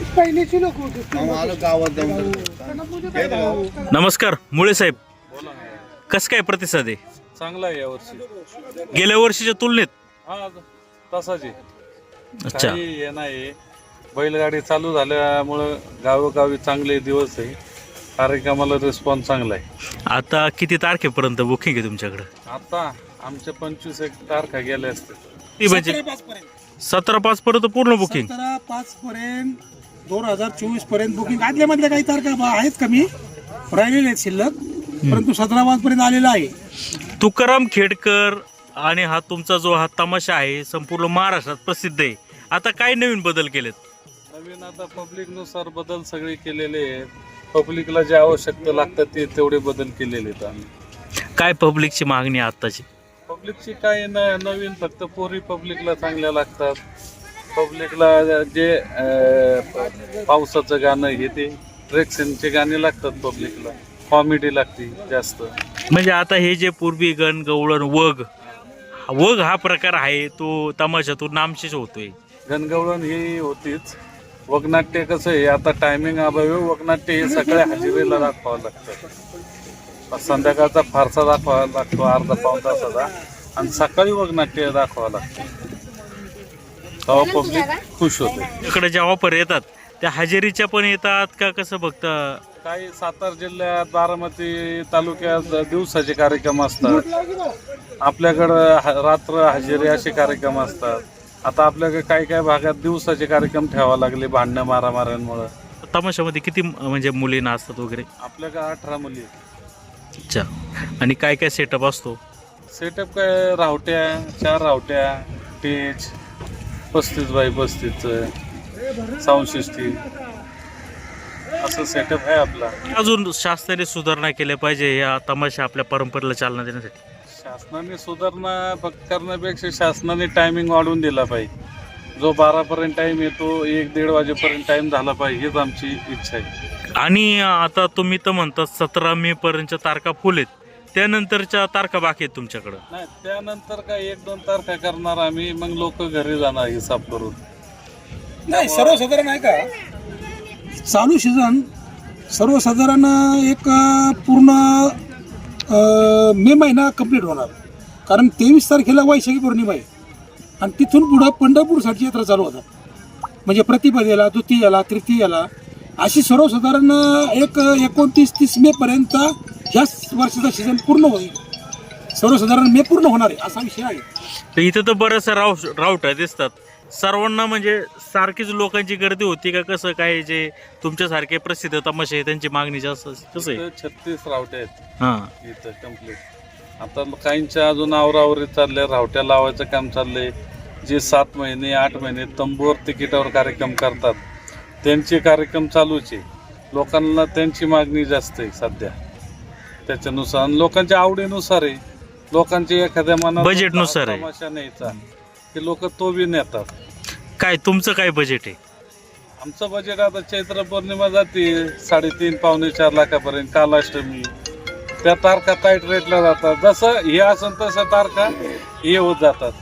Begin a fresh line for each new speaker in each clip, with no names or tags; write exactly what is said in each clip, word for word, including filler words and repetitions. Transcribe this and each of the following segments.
पहिलेची लोक होते.
नमस्कार मुळे साहेब, कसं काय प्रतिसाद आहे?
चांगला आहे यावर्षी
गेल्या वर्षीच्या तुलनेत?
हा तसाच आहे.
अच्छा,
काही हे नाही, बैलगाडी चालू झाल्यामुळं गावोगावी चांगले दिवस आहे, कार्यक्रमाला रिस्पॉन्स चांगला आहे.
आता किती तारखेपर्यंत बुकिंग आहे तुमच्याकडे?
आता आमच्या पंचवीस एक तारखा गेल्या असते.
ती म्हणजे सतरा पाच पर्यंत पूर्ण बुकिंग.
सतरा पाच पर्यंत दोन हजार चोवीस पर्यंत बुकिंग. आदल्या मधल्या काही तारखा बा- आहेत कमी राहिलेले आहेत शिल्लक, परंतु सतरा पाच पर्यंत आलेला आहे.
तुकाराम खेडकर आणि हा तुमचा जो हा तमाशा आहे संपूर्ण महाराष्ट्रात प्रसिद्ध आहे. आता काय नवीन बदल केलेत?
नवीन आता पब्लिक नुसार बदल सगळे केलेले आहेत. पब्लिकला जे आवश्यकता लागतात ते तेवढे बदल केलेले आहेत आम्ही.
काय पब्लिकची मागणी आहे आत्ताची?
पब्लिकची काय न नवीन फक्त पोरी पब्लिकला चांगल्या लागतात. पब्लिकला जे अं, पावसाचं गाणं हे ते ट्रेक्शनचे गाणे लागतात. पब्लिकला कॉमेडी लागते जास्त.
म्हणजे आता हे जे पूर्वी गण गवळण वग वग हा प्रकार आहे तो तमाशातून नामशेष होतोय.
गणगवळण ही होतीच. वगनाट्य कसं आहे, आता टायमिंग अभावी वगनाट्य हे सगळ्या हजेरीला दाखवावं लागतं. संध्याकाळचा फारसा दाखवावा लागतो अर्धा पाऊण तासाचा, आणि सकाळी वगनाट्य दाखवावं लागतं. तेव्हा पब्लिक खुश होते.
इकडे ज्या ऑफर येतात त्या हजेरीच्या पण येतात का कसं बघता?
काही सातारा जिल्ह्यात बारामती तालुक्यात दिवसाचे कार्यक्रम असतात. आपल्याकडं ह- रात्र हजेरी असे कार्यक्रम असतात. आता आपल्याकडे काही काही भागात दिवसाचे कार्यक्रम ठेवावे लागले भांडणं मारामाऱ्यांमुळं.
तमाशामध्ये किती म्हणजे मुली नाचतात वगैरे?
आपल्याकडे अठरा मुली आहेत.
अच्छा, आणि काय काय सेटअप असतो?
सेटअप काय, रावट्या चार रावट्या, टेज पस्तीस बाय पस्तीसचं, साऊंड सिस्टीम, असं सेटअप आहे आपला.
अजून शासनाने सुधारणा केल्या पाहिजे या तमाशा आपल्या परंपरेला चालना देण्यासाठी?
शासनाने सुधारणा फक्त करण्यापेक्षा शासनाने टायमिंग वाढवून दिला पाहिजे. जो बारापर्यंत टाईम येतो एक दीड वाजेपर्यंत टाईम झाला पाहिजे, हीच आमची इच्छा आहे.
आणि आता तुम्ही तर म्हणता सतरा मे पर्यंतच्या तारखा फुल आहेत, त्यानंतरच्या तारखा बाकी आहेत तुमच्याकडं?
नाही, त्यानंतर काय एक दोन तारखा करणार आम्ही, मग लोक घरी जाणार हिसाब करून.
नाही, सर्वसाधारण आहे का चालू सीझन सर्वसाधारण एक अं, पूर्ण अं, मे महिना कंप्लीट होणार. कारण तेवीस तारखेला वैशाखी पौर्णिमा आहे आणि तिथून पुढं पंढरपूरसाठी यात्रा चालू होतात. म्हणजे प्रतिपदेला, द्वितीयाला, तृतीयाला अशी सर्वसाधारण एक एकोणतीस तीस मे पर्यंत ह्याच वर्षाचा सीझन पूर्ण होईल. सर्वसाधारण मे पूर्ण होणार आहे असा विषय आहे.
तर इथं तर बऱ्याचशा राव रावट्या दिसतात. सर्वांना म्हणजे सारखीच लोकांची गर्दी होती का कसं काय? जे तुमच्यासारखे प्रसिद्ध तमाशे आहे त्यांची मागणी जास्त कसं आहे?
इथं छत्तीस रावट्या आहेत
हां,
इथं कम्प्लीट. आता काहींच्या अजून आवरावरी चालल्या, रावट्या लावायचं काम चाललंय. जे सात महिने आठ महिने तंबूवर तिकिटावर कार्यक्रम करतात त्यांचे कार्यक्रम चालूच आहे. लोकांना त्यांची मागणी जास्त आहे सध्या. त्याच्यानुसार लोकांच्या आवडीनुसार आहे. लोकांची एखाद्या मनात
बजेटनुसार आहे.
तमाशा न्यायचा की लोक तो बी नेतात.
काय तुमचं काय बजेट आहे?
आमचं बजेट आता चैत्र पौर्णिमा जाते साडेतीन पावणे चार लाखापर्यंत. कालाष्टमी त्या तारखा टाईट रेटला जातात. जसं हे असेल तसं तारखा हे होत जातात.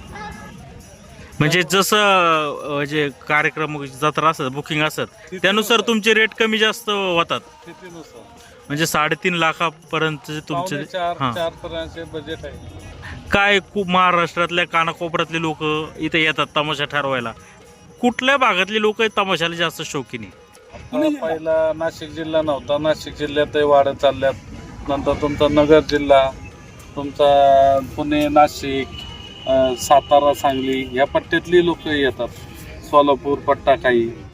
म्हणजे जसं अं, जे कार्यक्रम जत्रा असतात बुकिंग असतात त्यानुसार तुमचे रेट कमी जास्त होतात.
स्थितीनुसार
म्हणजे साडेतीन लाखापर्यंत तुमचे
पावणे चार
हां.
चार पर्यंतचे बजेट आहे.
काय खूप महाराष्ट्रातल्या कानाकोपऱ्यातले लोक इथे येतात तमाशा ठरवायला. कुठल्या भागातले लोक तमाशाला जास्त शौकीन आहे?
आता पहिला नाशिक जिल्हा नव्हता, नाशिक जिल्ह्यातही वाढत चालल्यात. नंतर तुमचा नगर जिल्हा, तुमचा पुणे, नाशिक, अं, सातारा, सांगली ह्या पट्ट्यातली लोक येतात. सोलापूर पट्टा काही